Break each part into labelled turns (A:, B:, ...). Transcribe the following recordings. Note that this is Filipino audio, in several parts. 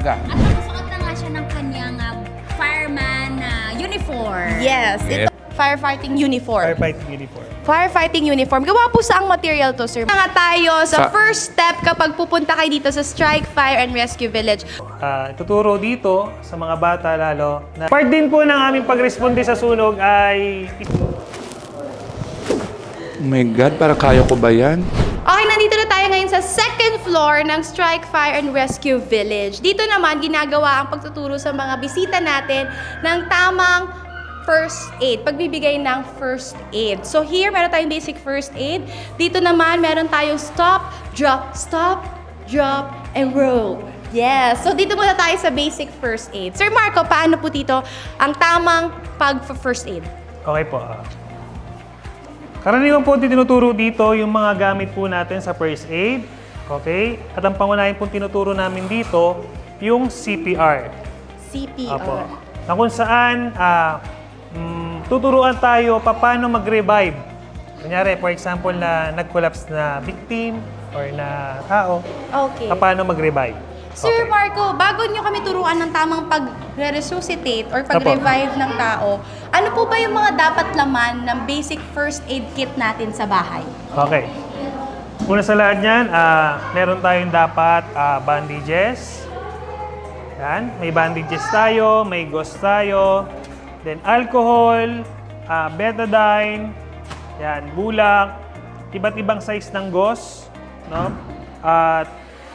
A: maaga.
B: At nakasuot na nga siya ng kanyang fireman uniform.
C: Yes, ito firefighting uniform.
D: Firefighting uniform.
C: Firefighting uniform. Gawa po saang material to, sir? Nga tayo sa first step kapag pupunta kayo dito sa Strike Fire and Rescue Village.
D: Tuturo dito sa mga bata lalo na part din po ng aming pagresponde sa sunog ay
A: Oh my God, para kaya ko ba yan?
C: Okay, nandito na tayo ngayon sa second floor ng Strike Fire and Rescue Village. Dito naman, ginagawa ang pagtuturo sa mga bisita natin ng tamang first aid, pagbibigay ng first aid. So here, meron tayong basic first aid. Dito naman, meron tayong stop, drop, and roll. Yes. So dito muna tayo sa basic first aid. Sir Marco, paano po dito ang tamang pag-first aid?
D: okay po. Karaniwan po tinuturo dito yung mga gamit po natin sa first aid. Okay? At ang pangunahin po tinuturo namin dito, yung CPR.
C: CPR.
D: Apo. Na kung saan tuturuan tayo paano mag-revive. Kunyari, for example, na nag-collapse na victim or na tao,
C: Okay.
D: paano mag-revive.
C: Sir
D: Okay.
C: Marco, bago nyo kami turuan ng tamang pag-resuscitate or pag-revive ng tao, ano po ba yung mga dapat laman ng basic first aid kit natin sa bahay?
D: Okay. Una sa lahat niyan, meron tayong dapat bandages. Yan, may bandages tayo, may gauze tayo, then alcohol, betadine, yan, bulak, iba't ibang size ng gauze, no? At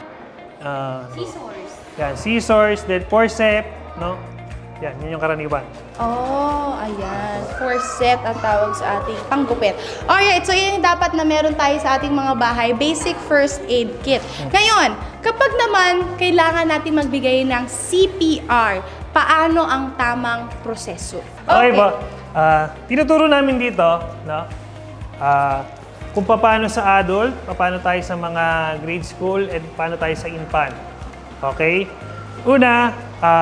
B: Scissors.
D: yan, scissors, then forceps, no? Yan, yun yung karaniwan.
C: Oh, ayan. Corset ang tawag sa ating panggupit. Alright, so yun yung dapat na meron tayo sa ating mga bahay, basic first aid kit. Ngayon, kapag naman kailangan natin magbigay ng CPR, paano ang tamang proseso?
D: Okay po. Tinuturo namin dito, no? Kung paano sa adult, paano tayo sa mga grade school, and paano tayo sa infant. Okay? Una,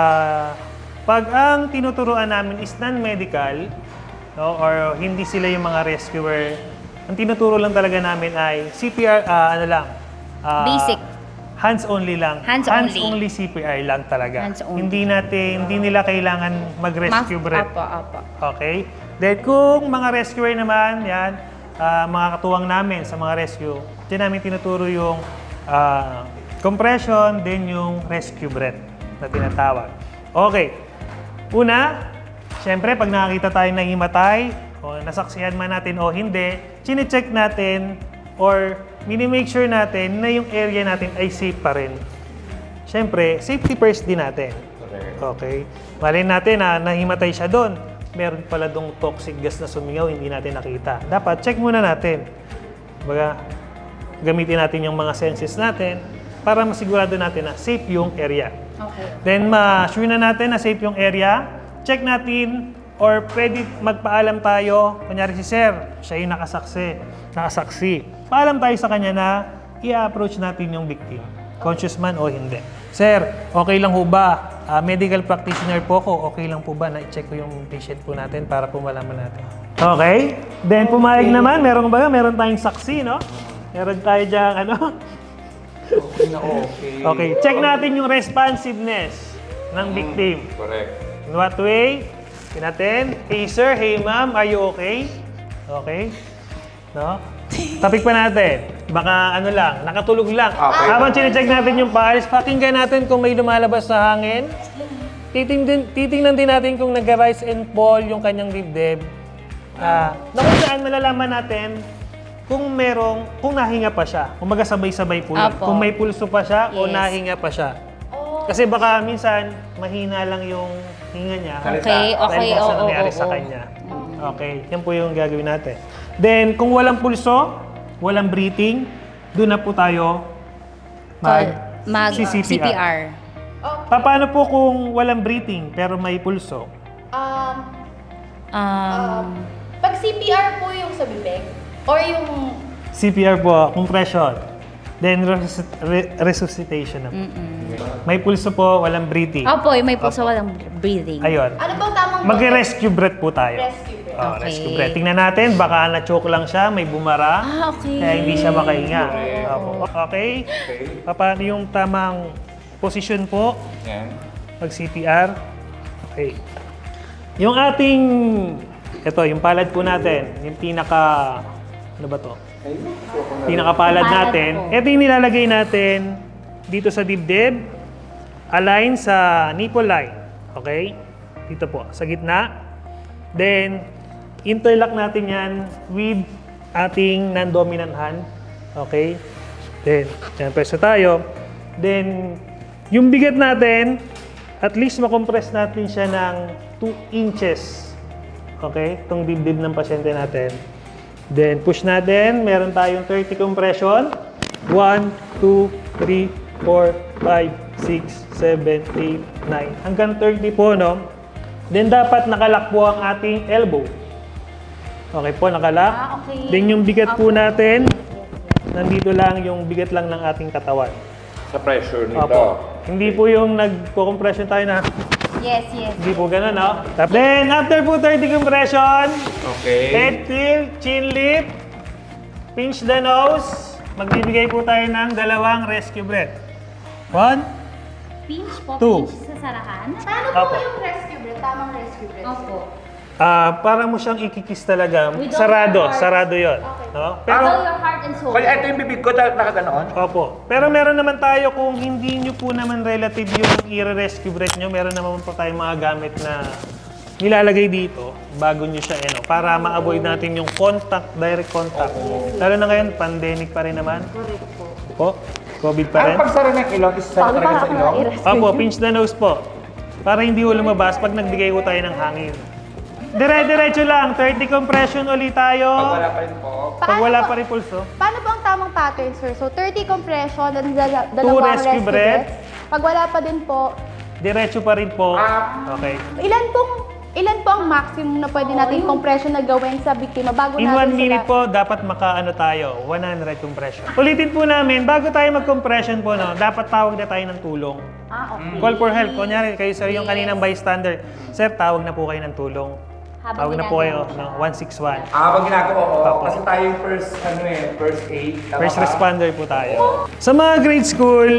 D: pag ang tinuturuan namin is non-medical, no, or hindi sila yung mga rescuer, ang tinuturo lang talaga namin ay CPR,
B: Basic.
D: Hands-only lang.
B: Hands-only.
D: CPR lang talaga.
B: Hands-only.
D: Hindi nila kailangan mag-rescue breath.
C: Apa.
D: Okay? Then kung mga rescuer naman, yan, mga katuwang namin sa mga rescue, dyan namin tinuturo yung compression, then yung rescue breath na tinatawag. Okay. Una, syempre, pag nakakita tayo ng himatay, o nasaksihan man natin o hindi, chine-check natin or mini-make sure natin na yung area natin ay safe pa rin. Syempre, safety first din natin. Okay? Malay natin na nahimatay siya doon. Meron pala dong toxic gas na sumingaw, hindi natin nakita. Dapat check muna natin. Baga, gamitin natin yung mga senses natin para masigurado natin na safe yung area.
C: Okay.
D: Then, ma-sure na natin na safe yung area. Check natin or pwede magpaalam tayo. Kunyari si Sir, siya yung nakasaksi. Paalam tayo sa kanya na i-approach natin yung victim. Conscious man o hindi. Sir, okay lang ho ba? Medical practitioner po ko. Okay lang po ba na i-check ko yung patient po natin para po malaman natin? Okay. Then pumayag naman. Meron tayong saksi, no? Meron tayo diyang
A: Okay.
D: Okay. Check natin yung responsiveness ng victim.
A: Correct.
D: In what way? Tingnan natin. Hey sir, hey ma'am, are you okay? Okay. No? Topic pa natin. Baka nakatulog lang.
A: Okay.
D: Habang chine-check natin yung pulse, pakinggan natin kung may lumalabas sa hangin. Titingnan din natin kung nag-rise and fall yung kanyang dibdib. Na kung saan malalaman natin kung nahinga pa siya. Kung sabay-sabay po yun.
B: Apo.
D: Kung may pulso pa siya o
B: Yes.
D: nahinga pa siya. Kasi baka minsan, mahina lang yung hinga niya.
B: Okay.
D: Dahil sa nangyari sa kanya. Okay, yan po yung gagawin natin. Then, kung walang pulso, walang breathing, doon na po tayo
B: CPR.
D: Paano po kung walang breathing pero may pulso?
C: Pag CPR po yung sa bibig or yung
D: CPR po, compression. Then, resuscitation na po. May pulso po, walang breathing.
B: Opo, may puso walang breathing.
D: Ayun.
C: ano bang tamang
D: Mag-rescue breath po tayo.
C: Rescue breath.
D: Oh,
B: Okay.
D: rescue breath. Tingnan natin, baka na-choke lang siya, may bumara.
B: Okay.
D: Kaya hindi siya makahinga.
A: Correct.
D: Opo. Okay? Paano yung tamang Posisyon po.
A: Yan.
D: Mag-CPR. Okay. Yung ating, ito, yung palad po natin, yung ano ba to? Pinakapalad
B: Palad
D: natin.
B: po.
D: Ito yung nilalagay natin dito sa dibdib, align sa nipple line. Okay? Dito po, sa gitna. Then, interlock natin yan with ating non-dominant hand. Okay? Then, yan, pwesto tayo. Then, yung bigat natin, at least makompress natin siya ng 2 inches. Okay? Itong dibdib ng pasyente natin. Then, push natin. Meron tayong 30 compression. 1, 2, 3, 4, 5, 6, 7, 8, 9. Hanggang 30 po, no? Then, dapat nakalak po ang ating elbow. Okay po, nakalak.
B: Okay.
D: Then, yung bigat po natin, nandito lang, yung bigat lang ng ating katawan.
A: Sa pressure nito.
D: Opo. Hindi po yung nagko-compression tayo na,
B: Yes, yes.
D: hindi po ganun, no? Then, after po 30 compression,
A: Okay.
D: head tilt, chin lift, pinch the nose. Magbibigay po tayo ng 2 rescue breath. 1,
B: Pinch po,
D: 2.
B: pinch sa sarahan.
C: Paano
D: Opo.
C: po yung rescue breath? Tamang rescue breath.
B: Opo.
D: para mo siyang ikikis talaga.
B: With all
D: Sarado,
B: your heart.
D: sarado yon. No? Pero,
B: Follow your heart and soul.
A: Kaya ito yung bibig ko, nakaganoon.
D: opo. Pero meron naman tayo kung hindi nyo po naman relative yung i-rescue breath nyo, meron naman po tayong mga gamit na nilalagay dito bago nyo siya, para ma-avoid natin yung contact, direct contact. Lalo na ngayon, pandemic pa rin naman.
B: Correct po.
D: Po, COVID pa rin.
A: Ang pagsara ng ilong, isasara talaga sa ilong.
D: Opo, pinch the nose po. Para hindi ho lumabas pag nagbigay ko tayo ng hangin. Dire-diretso lang, 30 compression ulit tayo.
A: Pag wala pa rin po.
D: Pag wala pa rin pulso.
C: Paano po ang tamang pattern, sir? So, 30 compression, then 2
D: rescue breath.
C: Pag wala pa din po,
D: Diretso pa rin po. Okay.
C: ilan po ang maximum na pwede natin compression na gawin sa biktima bago
D: In 1
C: natin
D: minute
C: sila...
D: po, dapat makaano tayo, 100 compression. Ulitin po namin, bago tayo mag-compression po, dapat tawag na tayo ng tulong.
B: Okay.
D: Call for help. Kunyari, kayo sir, yung kaninang bystander, sir, tawag na po kayo ng tulong.
B: Habang
D: Tawag na po kayo
B: ginagawa
D: ng 161.
A: Pag ginagawa ko,
D: Opo.
A: kasi tayo yung first aid. tama
D: First
A: ba?
D: responder po tayo. Sa mga grade school,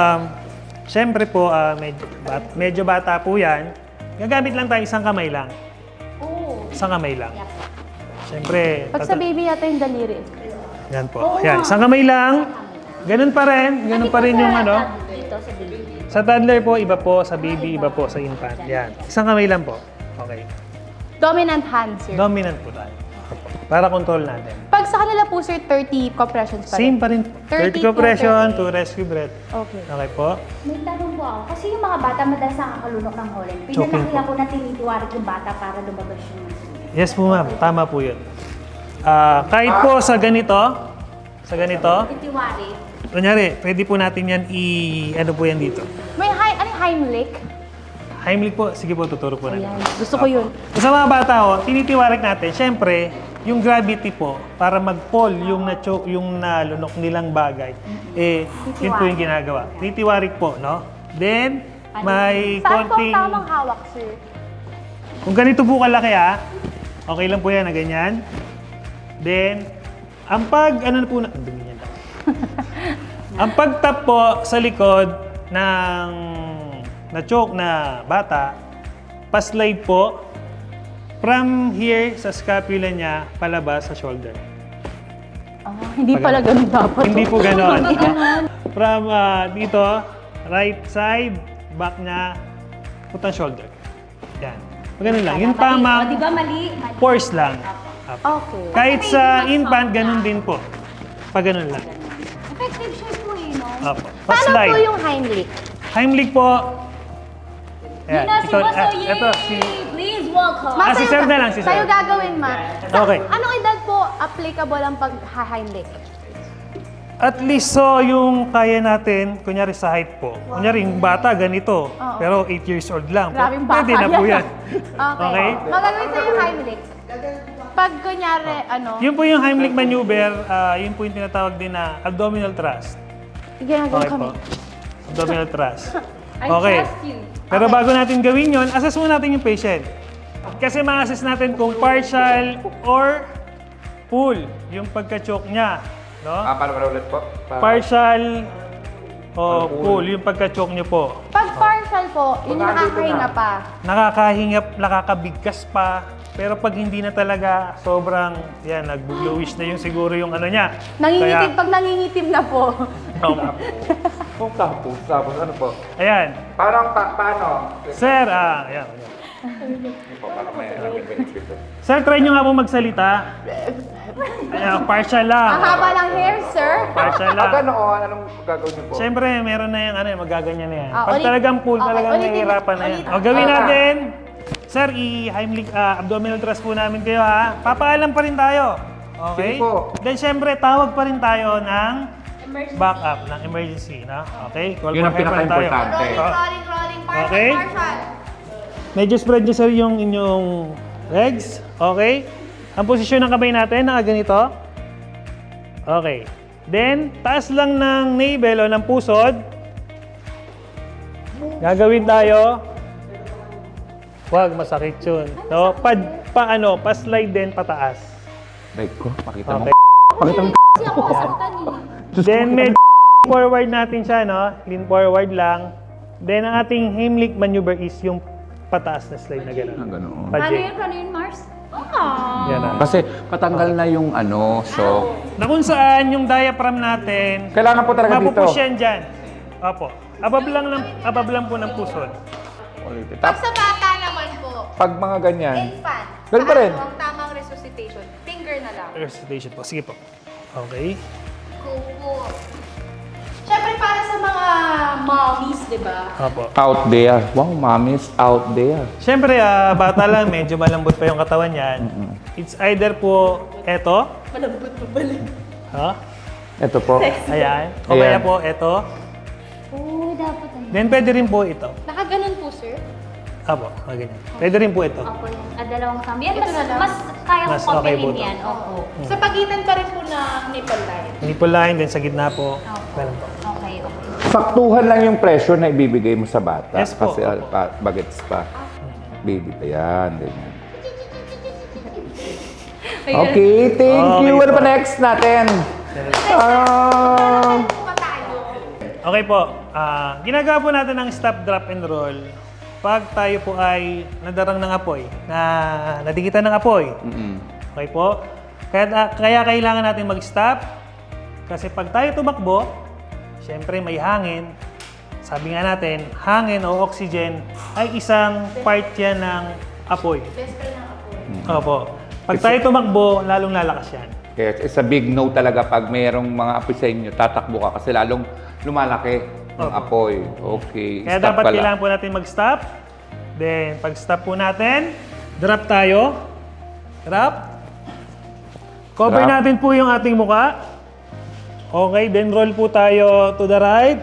D: syempre po, medyo bata po yan. Gagamit lang tayo isang kamay lang.
B: Oo.
D: Isang kamay lang.
B: Yep.
D: Syempre,
C: Pag sa baby natin yung daliri.
D: yan po. Yan, isang kamay lang. Ganun pa rin. Ganun pa rin yung ano.
B: Dito sa baby.
D: Sa toddler po, iba po. Sa baby, iba po. Sa infant. Yan. Isang kamay lang po. Okay.
C: Dominant hand, sir.
D: Dominant po tayo. Para control natin.
C: Pag sa kanila po, sir, 30 compressions pa rin.
D: Same pa rin. 30 compression, 2 rescue breath.
C: Okay.
D: Okay po.
B: May tanong po ako. Kasi yung mga bata madalas nakakalunok ng holen.
D: Choking
B: Pinanakila ko na tinitiwarik yung bata para lumabas yung
D: Yes po ma'am. Tama po yun. Kahit po sa ganito,
B: tinitiwarik.
D: kunyari, pwede po natin yan ano po yan dito.
C: May Heimlich?
D: Heimlich po, sige po, tuturo po natin.
C: Ayan. Gusto ko yun.
D: Sa mga bata, tinitiwarik natin, syempre, yung gravity po, para mag-fall yung nalunok nilang bagay, yun po yung ginagawa. Tinitiwarik po, no? Then, may
C: Saan po ang
D: konting...
C: tamang hawak, sir?
D: Kung ganito po kalaki okay lang po yan na ganyan. Then, ang ang dumi niya lang. Ang pag-tap po sa likod ng na-choke na bata, pa-slide po from here sa scapula niya palabas sa shoulder.
C: Hindi pala ganun dapat.
D: Hindi po gano'n. From dito, right side, back niya, putang shoulder. Yan. Ganun lang. Yung
B: O,
D: tamang
B: di ba mali? Mali.
D: force lang.
C: Okay.
D: Kahit sa infant, ganun din po. Pag ganun lang.
B: Effective siya po no?
D: Opo.
C: Paano po
D: Pa-slide.
C: yung Heimlich?
D: Heimlich po.
B: Yun na si Boso Yee!
D: Ito,
B: Please welcome!
C: Ma,
D: si
C: sa'yo
D: Sir na lang, si Sir.
C: Sa'yo gagawin, ma.
D: Okay.
C: Anong edad po applicable ang pag-Heimlich?
D: At least so yung kaya natin, kunyari sa height po. Kunyari yung bata ganito,
C: Oo.
D: pero 8 years old lang.
C: Grabing bata
D: Pwede na po yan.
C: Okay.
D: Okay?
C: Magagawin sa'yo yung Heimlich. Pag kunyari,
D: Yun po yung Heimlich maneuver, yun po yung tinatawag din na abdominal thrust.
C: ginagawa
D: Okay
C: kami.
D: po. Abdominal thrust.
B: I
D: Okay.
B: trust you.
D: Pero bago natin gawin yun, assess muna natin yung patient. Kasi ma-assess natin kung partial or full yung pagka-choke niya. No?
A: Paano ulit po?
D: Partial o full, yung pagka-choke nyo po.
C: Pag partial po, yung
A: Baka dito
C: nakakahinga
A: na.
C: pa.
D: Nakakahinga, nakakabigkas pa. Pero pag hindi na talaga, sobrang, yan, nag-bluish na yung siguro yung ano niya.
C: Nangingitim, pag nangingitim na po.
A: Kung tapos ano po?
D: Ayan.
A: Parang, paano?
D: Sir, ayan.
A: Hindi po, parang may benefit.
D: Sir, try nyo nga po magsalita. Ayan, partial lang.
C: Ang haba ng hair, sir.
D: Partial lang.
A: Ganoon, anong gagawin niyo po?
D: Siyempre, meron na yung ano, magaganyan na yan.
C: Ah,
D: Pag
C: ulit-
D: talagang full,
C: okay,
D: talagang
C: ulitin-
D: nahihirapan na yan.
C: ulitin.
D: O, gawin natin. Sir, i-Heimlich abdominal thrust po namin kayo ha. Papaalam pa rin tayo. Okay?
A: Sige po.
D: Then, siyempre, tawag pa rin tayo ng backup, ng emergency. Na? Okay? Call
A: Yun ang
D: for help pa rin tayo.
A: pinaka-importante.
C: Rolling, partial,
D: Okay.
C: partial.
D: Medyo spread nyo sir yung inyong legs. Okay? Ang posisyon ng kamay natin, nakaganito. Okay. Then, taas lang ng navel o ng pusod. Gagawin tayo. Wag, masakit yun. No? Pa-slide din pataas.
A: Like ko, pakita mo.
D: Okay.
A: Pakita mo.
B: Kasi ako masaktan eh.
D: Then, medyo forward natin siya, no? Lean forward lang. Then, ang ating Heimlich maneuver is yung pataas na slide na gano'n.
A: Ganoon.
D: Pa-J.
B: Paano yun, Mars?
D: Yan na.
A: Kasi patanggal na yung ano, so...
D: Na kung saan yung diaphragm natin,
A: Kailangan po talaga dito.
D: mapupush yan dyan. Opo. Above lang po ng pusod.
A: Ulitin.
C: Pag sa bata naman po,
A: Pag mga ganyan.
C: infant,
A: Ganun pa rin.
C: paano ang tamang resuscitation? Finger na lang.
D: Recitation po. Sige po. Okay.
C: Go po. Siyempre para sa mga mommies, di ba?
D: Opo.
A: Out there. Wow, mommy's out there.
D: Siyempre, bata lang, medyo malambot pa yung katawan yan. It's either po eto.
C: Malambot pa pala.
D: Ha?
A: Ito po.
D: Ayan. O kaya
A: Ayan.
D: po eto.
B: Oo, dapat ano.
D: Then pwede rin po ito.
C: Nakaganon po, sir.
D: Opo. Ganyan. Pwede rin po ito.
B: Ako yan. Dalawang thumb. Yan,
C: Ito na lang.
B: mas kaya
D: Mas
B: kong
D: okay
B: pagbilin
D: po to.
B: yan. Oo.
C: Sa pagitan pa rin po ng nipple line.
D: Nipple line, then sa gitna po.
B: Opo.
D: Ganun po.
B: Okay, okay.
A: Saktuhan lang yung pressure na ibibigay mo sa bata.
D: Yes po,
A: Kasi
D: opo.
A: bagets pa. Baby pa yan. Ganyan.
C: Ayun.
A: Okay, thank
D: Okay
A: you. Ano
D: po.
A: pa next natin?
C: Ano po ba tayo?
D: Okay po. Ginagawa po natin ang stop, drop, and roll pag tayo po ay nadarang ng apoy, na nadikitan ng apoy. Okay po? Kaya kailangan natin mag-stop kasi pag tayo tumakbo, syempre may hangin. Sabi nga natin, hangin o oxygen ay isang part yan ng apoy.
C: Best friend ng apo.
D: Opo. Pag tayo tumakbo, lalong lalakas yan.
A: Kaya it's a big no talaga pag mayroong mga apoy sa inyo, tatakbo ka kasi lalong lumalaki ng
D: Opo.
A: apoy. Okay,
D: Kaya
A: stop
D: dapat
A: ka lang.
D: kailangan po natin mag-stop. Then, pag stop po natin, drop tayo. Drop. Cover
A: Drop.
D: natin po yung ating muka. Okay, then roll po tayo to the right.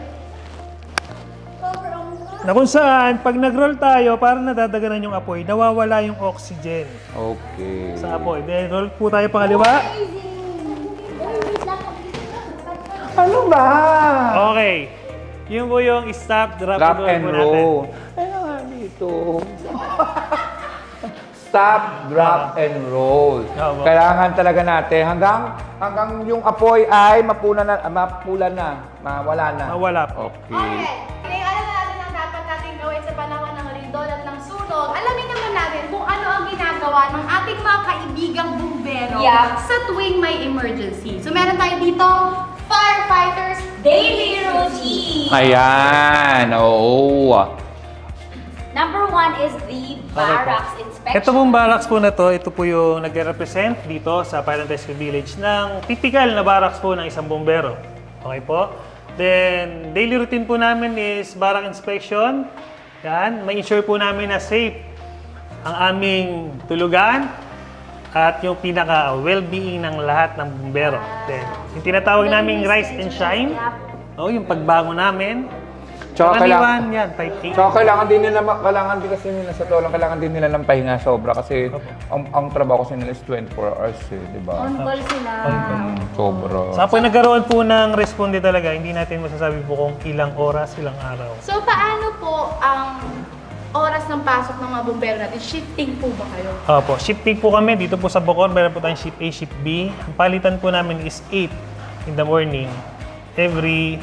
D: Na kung saan, pag nag-roll tayo, parang nadadaganan yung apoy, nawawala yung oxygen
A: Okay.
D: sa apoy. Then, roll po tayo pangaliwa.
A: Ano ba?
D: Okay. Yun po yung stop, drop,
A: Drop
D: and
A: and
D: roll po natin.
A: roll. Ay, nga dito. Stop, drop, and roll.
D: Opo.
A: Kailangan talaga natin hanggang yung apoy ay mapula na, mawala na.
D: Mawala po.
A: Okay.
C: Okay. Alam na natin ang dapat natin gawin sa panahon ng lindol at ng sunog. Alamin naman natin kung ano ang ginagawa ng ating mga kaibigang bumbero
B: Yeah.
C: sa tuwing may emergency. So meron tayo dito, firefighters
B: Daily routine.
A: Ayan, oo.
B: Number 1 is the barracks inspection.
D: Ito pong barracks po na to, ito po yung nagre-represent dito sa Fire and Rescue Village ng typical na barracks po ng isang bombero. Okay po? Then, daily routine po namin is barrack inspection. Yan, ma-ensure po namin na safe ang aming tulugan at yung pinaka well-being ng lahat ng bombero. Then, yung tinatawag naming rise and shine, no, yung pagbango namin.
A: Tsaka
D: Karaniwan yan, type A.
A: So, kailangan din kasi nila sa tolang, kailangan din nila ng pahinga sobra kasi ang trabaho kasi nila is 24 hours di ba?
B: On call sila.
A: Sobra.
D: Sa pag nagkaroon po ng responde talaga, hindi natin masasabi po kung ilang oras, ilang araw.
C: So paano po ang oras ng pasok ng mga bumbero natin? Shifting po ba kayo?
D: Opo, shifting po kami dito po sa Bocor, meron po tayong shift A, shift B. Ang palitan po namin is 8 in the morning every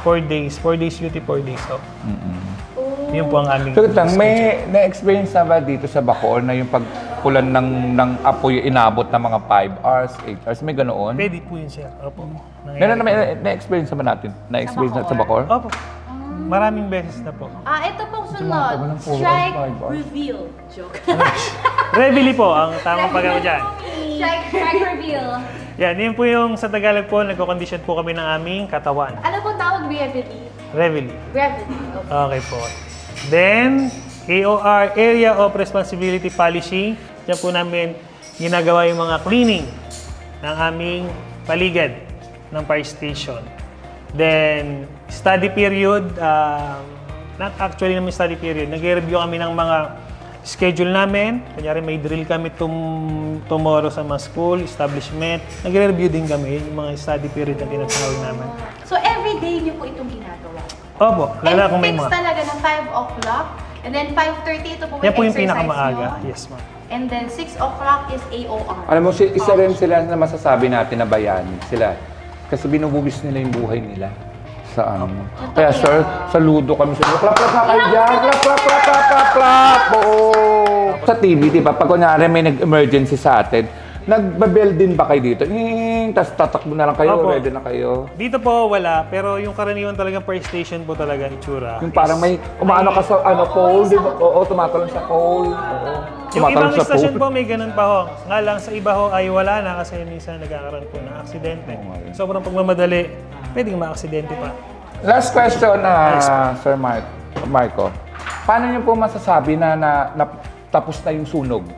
D: 4 days. 4 days duty, 4 days off. Yun po ang aming
A: So, lang, may na-experience na ba dito sa Bacoor na yung pagpulan ng apoy inabot ng mga 5 hours, 8 hours? May ganoon?
D: Pwede po yun, sir. Opo.
A: Meron na na-experience naman natin? Na-experience na sa Bacoor?
D: Opo. Maraming beses na po.
C: Ito pong
A: Tagal
C: sunod,
A: ng puro
C: strike
A: 5 hours.
C: reveal. Joke.
D: Reveille po ang tamang pagkakaw dyan.
B: Strike reveal.
D: Yan, yun po yung sa Tagalog po, nagko-condition po kami ng aming katawan.
C: Ano pong tawag reveille?
D: Reveille.
C: Reveille.
D: Okay po. Then, AOR, Area of Responsibility Polishing. Diyan po namin ginagawa yung mga cleaning ng aming paligid ng fire station. Then, study period, not actually namin study period, nag-review kami ng mga schedule namin. Kunyari may drill kami tomorrow sa mga school, establishment. Nagre-review din kami yung mga study period na tinatawag namin.
C: So, every day niyo po itong ginagawa?
D: Opo, lalo kung may
C: And
D: mga...
C: fixed talaga ng 5 o'clock. And then 5:30 ito po
D: Yan po yung
C: exercise
D: pinakamaaga.
C: nyo.
D: Yes, ma'am.
C: And then 6 o'clock is AOR.
A: Alam mo, isa rin sila na masasabi natin na bayani sila. Kasi binubugis nila yung buhay nila sa ano. Kaya sir, saludo kami sa inyo. Clap, clap, clap, kayo dyan. Clap, clap, clap, clap, clap, clap. Oo. Sa TV, di ba, pag kunyari may nag-emergency sa atin, nagba-bell din ba kayo dito? Tapos tatakbo na lang kayo,
D: Opo.
A: ready na kayo.
D: Dito po wala, pero yung karaniwan talagang fire station po talaga itsura.
A: Yung parang may umaano ka sa pole, di ba? Oo, tumatalon sa pole. Oo.
D: Yung
A: Tumatalon
D: ibang
A: sa
D: station
A: pole.
D: po may ganun pa ho. Nga lang sa iba ho ay wala na kasi minsan nagkakaroon po ng aksidente. Sobrang pagmamadali, pwedeng ma-aksidente pa.
A: Last question, Sir Marco. Paano niyo po masasabi na tapos na yung sunog?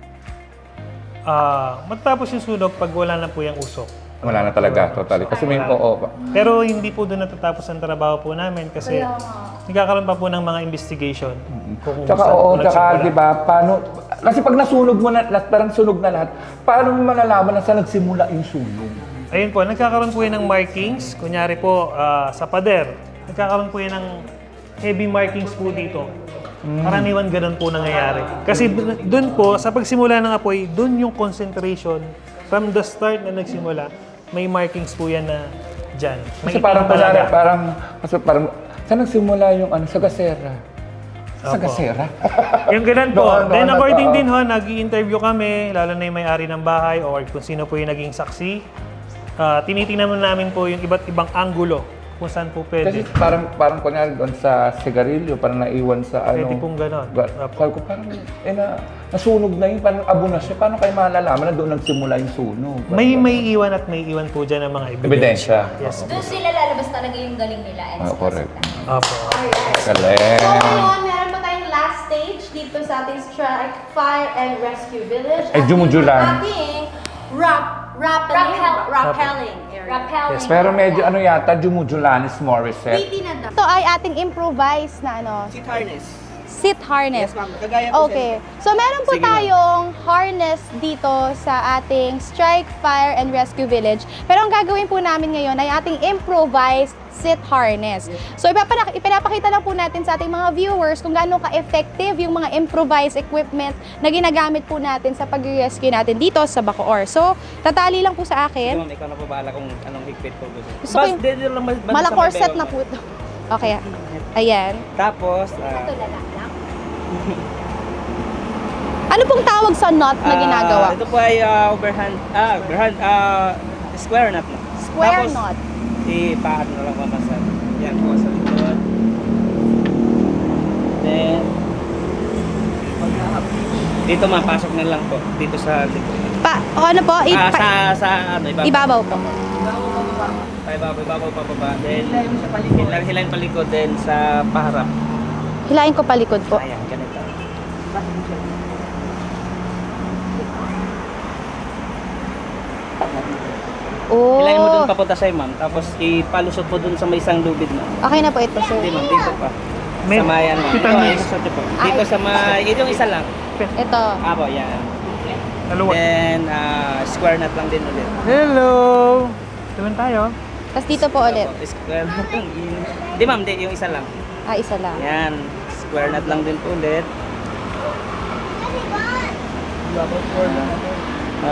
D: Matapos yung sunog pag wala na po yung usok.
A: Wala na talaga, totally. Kasi may oo.
D: Pero hindi po doon natatapos ang trabaho po namin kasi nagkakaroon pa po ng mga investigation. Kung
A: Tsaka
D: saan po
A: oo, tsaka
D: nagsimula.
A: di ba, paano, kasi pag nasunog mo na, parang sunog na lahat, paano mo malalaman na saan nagsimula yung sunog?
D: Ayun po, nagkakaroon po yan ng markings. Kunyari po, sa pader, nagkakaroon po yan ng heavy markings po dito. Karaniwan ganun po nangyayari. Kasi doon po, sa pagsimula ng apoy, doon yung concentration from the start na nagsimula, may markings po yan na dyan.
A: Kasi
D: May
A: parang,
D: itim talaga.
A: parang, saan nagsimula yung sa gasera? Sa
D: Opo.
A: gasera?
D: Yung ganun po.
A: Doon,
D: Then according
A: oo.
D: din ho, nag-i-interview kami, lalo na yung may-ari ng bahay or kung sino po yung naging saksi. Tinitingnan namin po yung iba't ibang anggulo kung saan po
A: Kasi
D: pwede.
A: parang kunyari doon sa sigarilyo, parang naiwan sa ano.
D: Pwede pong ganon.
A: Sabi ko parang, nasunog na yun, parang abo na siya. Paano kayo malalaman na doon nagsimula yung sunog?
D: May iwan at may iwan po dyan ng mga
A: Ebidensya.
D: Yes.
B: Doon sila lalabas talaga yung galing nila. And
A: Correct.
D: Opo.
C: So
A: Galing.
C: ngayon, meron pa tayong last stage dito sa ating Strike Fire and Rescue Village.
A: Ay, jumujulan.
C: Ating rappelling area.
B: Rappelling.
D: Yes,
A: Pero medyo ano yata, Jumujulanis Morissette.
C: Waiting na daw. Ito ay ating improvised na ano,
E: Seat harness.
C: seat harness.
E: Yes, ma'am. Kagaya po
C: Okay. So, meron po
E: Sige, ma'am.
C: tayong harness dito sa ating Strike Fire and Rescue Village. Pero ang gagawin po namin ngayon ay ating improvised seat harness. So, ipinapakita lang po natin sa ating mga viewers kung gaano ka-effective yung mga improvised equipment na ginagamit po natin sa pag-rescue natin dito sa Bacoor. So, tatali lang po sa
E: Sige,
C: akin.
E: ma'am, ikaw na po bahala kung anong higpit po gusto.
C: Gusto ko yung-
E: dito lang basta
C: Mala
E: sa may
C: corset
E: bewang
C: na
E: mo.
C: po ito. Okay. Ayan.
E: Tapos,
C: Ano pong tawag sa knot na ginagawa?
E: Ito po ay square knot na.
C: Square
E: Tapos,
C: knot.
E: Ipaano na lang mapasal. Yan po sa likod. Then, dito mapasok na lang po. Dito sa likod.
C: Ano po?
E: Sa
C: Ibabaw po.
E: Ibabaw pa baba. Then, hilahin palikod. Then, sa paharap.
C: Hilahin ko palikod po.
E: Ayan, ganito.
C: Oh.
E: Hilahin mo dun papunta sa'yo, ma'am. Tapos ipalusot po dun sa may isang lubid na.
C: Okay na po ito, sir.
E: Hindi, ma'am. Dito pa.
D: May-
E: Sa mayan, ma'am.
D: Kita
E: Ito,
D: niyo.
E: ilusot niyo po. Dito sa may... Yung isa lang.
C: Ito.
E: Apo, yan.
D: Dalawa.
E: Then, square knot lang din ulit.
D: Hello! Tuman tayo.
C: Tapos dito po ulit.
E: Apo, square knot lang. Hindi, ma'am. Di, yung isa lang.
C: Isa lang.
E: Yan. Square knot lang din po ulit. Ha?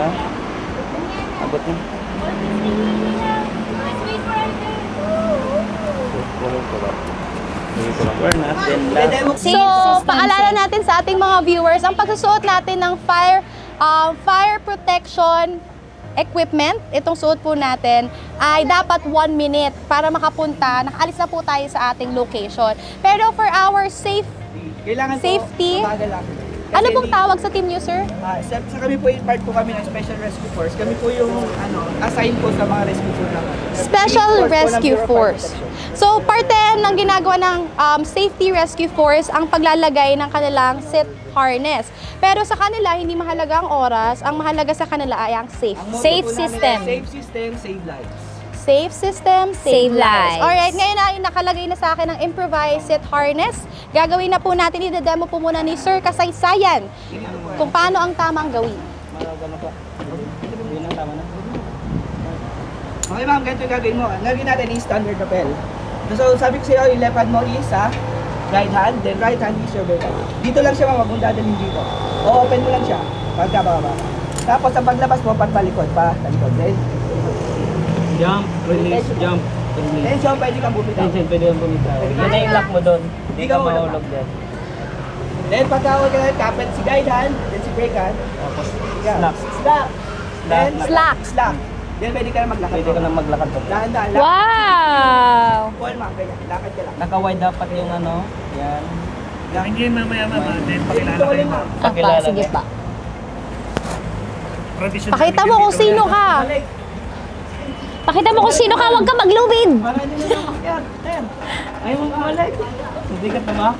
E: Abot mo. We're not. Then last.
C: So, paalala natin sa ating mga viewers, ang pagsusuot natin ng fire protection equipment, itong suot po natin, ay dapat 1 minute para makapunta, nakaalis na po tayo sa ating location. Pero for our
E: Kailangan
C: safety,
E: mabagal lang.
C: ano pong tawag sa team nyo, sir?
E: Sa kami po, part po kami ng Special Rescue Force. Kami po yung assign po sa mga rescue po naman.
C: Special Rescue Force. So, parte ng ginagawa ng Safety Rescue Force ang paglalagay ng kanilang seat harness. Pero sa kanila, hindi mahalaga ang oras. Ang mahalaga sa kanila ay ang safe.
E: Ang motto
B: Safe
E: po namin
B: system.
E: ay Safe system, save lives.
C: Safe system,
B: Save lives.
C: Alright, ngayon ay nakalagay na sa akin ang improvised seat harness. Gagawin na po natin, i-demo po muna ni Sir Kasaysayan kung paano ang tamang gawin.
E: Gano'n po. Yun ang tama na. Okay ma'am, ganito yung gagawin mo. Ang gagawin natin is standard rappel. So sabi ko sa iyo, yung left hand mo is sa right hand, then right hand is your left hand. Dito lang siya ma'am, huwag mong dadalhin dito. O-open mo lang siya, pagkababa. Tapos sa paglabas mo, pagpalikod pa, talikod. Then,
F: Jump, release, jump, release.
E: tension, pwede kang bumitaw.
F: Tension, pwede kang bumitaw. Yun na yung lock mo doon. Hindi ka
E: mahulog.
F: mahulog dyan.
E: Then pagkawag ka na, kapit si guide hand, then si brake hand.
F: Tapos,
E: Yeah.
F: slack.
E: Slack. Then,
C: Slack.
E: Slack. Then pwede ka na maglakad.
F: Pwede ka nang maglakad pa.
E: Dahan-dahan.
B: Wow!
E: Paul ma'am, ganyan. Lakad ka lang.
F: Naka-wide dapat yung ano. Yan.
D: Hindi mamaya mama, then pakilala
E: Dito
D: kayo
E: ulit,
D: ma'am.
E: ma'am.
B: Apa,
F: Pakilala
B: sige
F: niya.
B: pa.
D: Traditional
C: Pakita mo
D: video
C: kung
D: dito
C: sino
D: yan.
C: ka.
E: Balik.
B: Pakita mo kung sino ka, huwag ka maglubid.
E: Para hindi na makyat. Ten. Ayaw mong kumalik.
F: Hindi ka tama.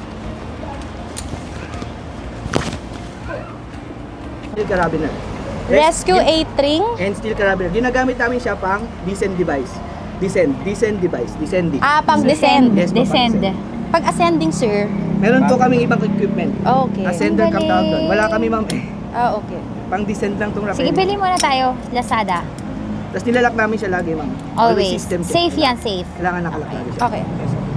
E: Steel carabiner.
C: Rescue 8 ring.
E: And steel carabiner. Ginagamit namin siya pang descent device. Descent device. Descending.
C: Pang descend.
E: Yes, po,
B: Descend.
E: pang-descend.
C: Pag ascending, sir.
E: Meron po kaming ibang equipment.
C: Okay.
E: Ascender
B: Ang
E: come down doon.
B: galing.
E: Wala kami ma'am eh.
C: Okay.
E: Pang descend lang tong rappel.
B: Sige, pili muna tayo. Lazada.
E: Tapos nilalak namin siya lagi ma'am.
B: Always.
E: System check.
B: Safe yan, safe.
E: Kailangan nakalak lagi siya.
C: Okay.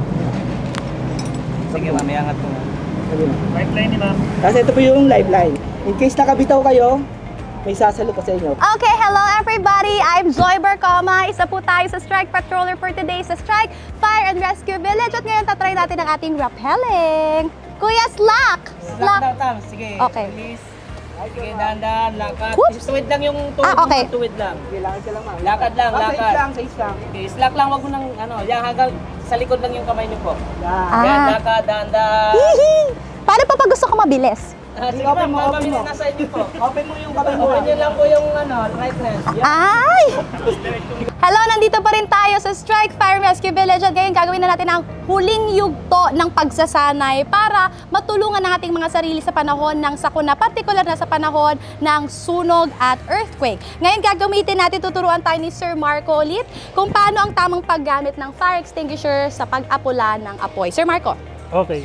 F: Sige, mamaya angat mo.
E: Sabi mo.
D: Right line ni ma'am.
E: Tapos ito po yung lifeline. In case nakabitaw kayo, may sasalo ko sa inyo.
C: Okay, hello everybody! I'm Joy Barcoma. Isa po tayo sa Strike Patroller for today sa Strike Fire and Rescue Village. At ngayon tatry natin ang ating rappelling. Kuya, slack!
F: Slack daw, Tam. Sige.
C: Okay.
F: Release. Sige, dahan-dahan, lakad.
C: Whoops.
F: Tuwid lang yung tuwid
C: okay.
F: mo, tuwid lang.
E: Kailangan ka lang ma'am.
F: Lakad lang,
E: Safe
F: lakad.
E: lang, safe lang.
F: Okay, slack lang, wag mo nang ano, yan hanggang sa likod lang yung kamay niyo po.
E: Yan.
F: Yan, lakad, dahan-dahan.
C: Hihi! Paano pa pag gusto ko mabilis?
F: Sige
E: Open
F: ma'am,
E: mo, open
F: mabilis
E: mo.
F: nasa inyo po.
E: Open mo yung kamay mo.
F: Open nyo lang po yung ano, right hand. Yan.
C: Ay! Hello, nandito pa rin tayo sa Strike Fire and Rescue Village at ngayon gagawin na natin ang huling yugto ng pagsasanay para matulungan ang ating mga sarili sa panahon ng sakuna, partikular na sa panahon ng sunog at earthquake. Ngayon gagamitin natin, tuturuan tayo ni Sir Marco ulit kung paano ang tamang paggamit ng fire extinguisher sa pag-apula ng apoy. Sir Marco.
D: Okay.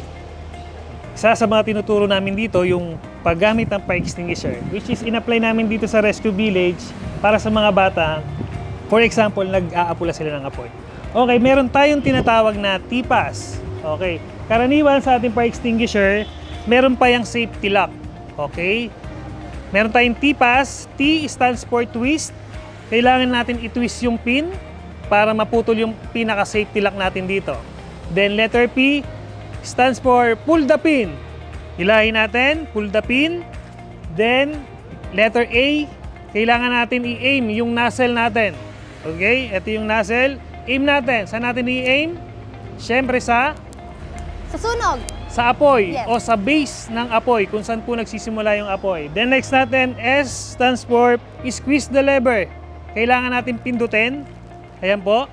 D: Isa sa mga tinuturo namin dito yung paggamit ng fire extinguisher, which is in-apply namin dito sa Rescue Village para sa mga bata. For example, nag-aapula sila ng apoy. Okay, meron tayong tinatawag na T-pass. Okay, karaniwan sa ating fire extinguisher, meron pa yung safety lock. Okay, meron tayong T-pass. T stands for twist. Kailangan natin i-twist yung pin para maputol yung pinaka-safety lock natin dito. Then letter P stands for pull the pin. Hilahin natin, pull the pin. Then, letter A, kailangan natin i-aim yung nozzle natin. Okay, ito yung nozzle. Aim natin. Saan natin i-aim? Siyempre sa
C: Sa sunog.
D: apoy
C: Yes.
D: o sa base ng apoy, kung saan po nagsisimula yung apoy. Then next natin, S stands for squeeze the lever. Kailangan natin pindutin. Ayan po.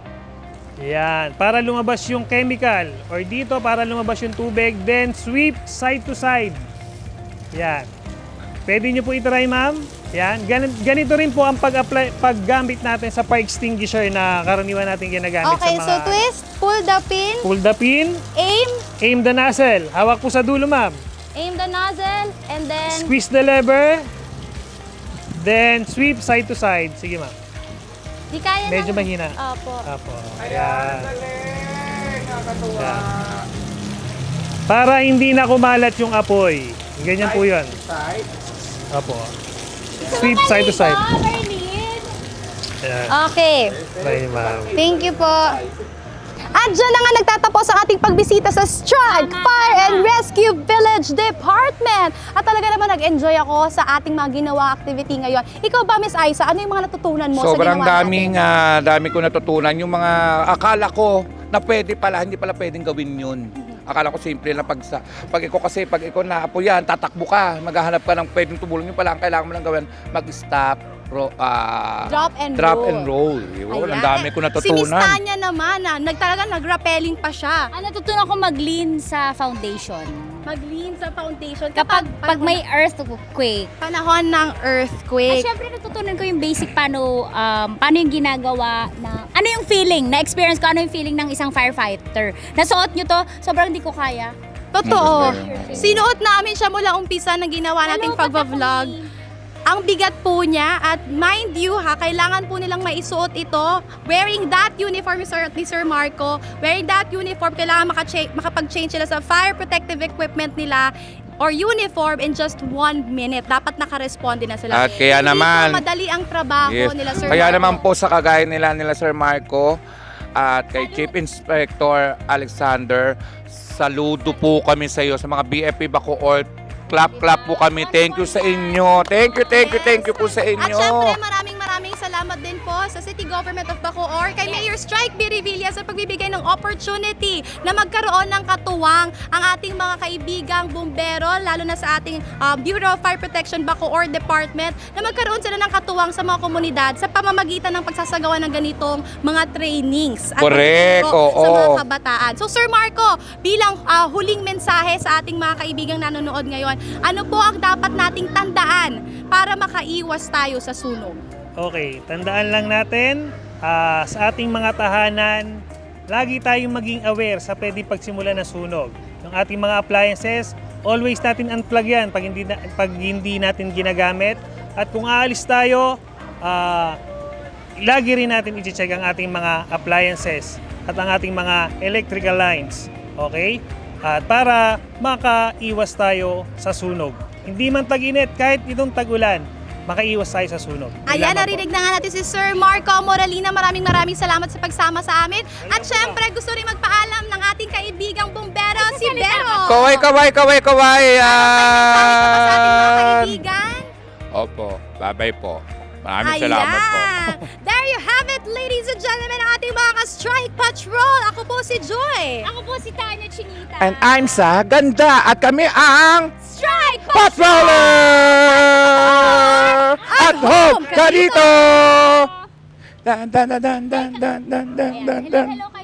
D: Yan, para lumabas yung chemical. Or dito, para lumabas yung tubig. Then, sweep side to side. Yan. Pwede nyo po itry, ma'am. Yan. Ganito rin po ang paggamit natin sa fire extinguisher na karaniwan natin ginagamit
C: Okay,
D: sa mga...
C: so twist, pull the pin,
D: Pull the pin,
C: aim,
D: aim the nozzle. Hawak po sa dulo, ma'am.
C: aim the nozzle, and then
D: Squeeze the lever. Then, sweep side to side. Sige, ma'am.
C: di kaya
D: Medyo
C: ng-
D: mahina.
C: Opo.
D: Apo. Ayan. Ayan. Para hindi na kumalat yung apoy. Ganyan po yun. Apo. Sweep side to side. Ayan.
C: Okay.
D: Try, ma'am.
C: Thank you po. At dyan na nga nagtatapos ang ating pagbisita sa Strike Fire and Rescue Village Department. At talaga naman nag-enjoy ako sa ating mga ginawa activity ngayon. Ikaw ba, Miss Aiza, ano yung mga natutunan mo sa
A: Sobrang
C: ginawa
A: daming,
C: natin?
A: dami ko natutunan. Yung mga akala ko na pwede pala, hindi pala pwedeng gawin yun. Akala ko simple na pag ikaw naapo yan, tatakbo ka, maghahanap ka ng pwedeng tumulong. Yung pala, ang kailangan mo lang gawin, mag-stop,
C: Drop and roll.
A: Yun,
C: Ayan.
A: ang dami ko
C: Si Miss
A: natutunan.
C: Tanya naman, nag-rappelling pa siya.
B: Ang natutunan ko mag-lean sa foundation.
C: Mag-lean sa foundation.
B: Pag may earthquake.
C: Panahon ng
B: At
C: earthquake.
B: syempre natutunan ko yung basic paano yung ginagawa na ano yung feeling, na-experience ko ano yung feeling ng isang firefighter. Nasuot nyo to, sobrang di ko kaya.
C: Totoo. Sinuot namin siya mula umpisa ng ginawa nating pagbablog. Ang bigat po niya at mind you ha, kailangan po nilang maisuot ito. Wearing that uniform ni Sir Marco, wearing that uniform, kailangan makapag-change sila sa fire protective equipment nila or uniform in just 1 minute. Dapat naka-responde na sila.
A: At kaya
C: Hindi
A: naman-
C: po madali ang trabaho
A: Yes.
C: nila Sir
A: Kaya
C: Marco.
A: naman po sa kagaya nila Sir Marco at kay Chief Inspector Alexander, saludo po kami sa iyo sa mga BFP Bacoor. Clap po kami. Thank you sa inyo. Thank you po sa
C: At
A: inyo.
C: syempre, maraming salamat din po sa City Government of Bacoor, kay Mayor Strike B. Revilla sa pagbibigay ng opportunity na magkaroon ng katuwang ang ating mga kaibigang bumbero, lalo na sa ating Bureau of Fire Protection Bacoor Department, na magkaroon sila ng katuwang sa mga komunidad sa pamamagitan ng pagsasagawa ng ganitong mga trainings. At
A: Correct,
C: pagtuturo sa
A: oo.
C: mga kabataan. So Sir Marco, bilang huling mensahe sa ating mga kaibigang nanonood ngayon, ano po ang dapat nating tandaan para makaiwas tayo sa sunog?
D: Okay, tandaan lang natin, sa ating mga tahanan, lagi tayong maging aware sa pwede pagsimula ng sunog. Yung ating mga appliances, always natin unplug yan pag hindi natin ginagamit. At kung aalis tayo, lagi rin natin i-check ang ating mga appliances at ang ating mga electrical lines. Okay? At para makaiwas tayo sa sunog. Hindi man tag-init, kahit itong tag-ulan, makaiwas tayo sa sunog.
C: Ayan,
D: Salamat po.
C: narinig na nga natin si Sir Marco Moralina. Maraming salamat sa pagsama sa amin. At syempre, gusto rin magpaalam ng ating kaibigang bumbero, si Bero.
A: Kaway.
C: Mensahe ka ba sa ating mga
A: Yan.
C: kaibigan?
A: Opo, babay po. Maraming salamat po.
C: There you have it, ladies and gentlemen, ang ating mga ka-strike patrol. Ako po si Joy.
B: Ako po si Tanya Chinita.
A: And I'm Sa Ganda at kami ang
C: Strike
A: Patroller! At home ka dito! Dan dan dan dan dan dan dan dan dan.
B: Hello kayo.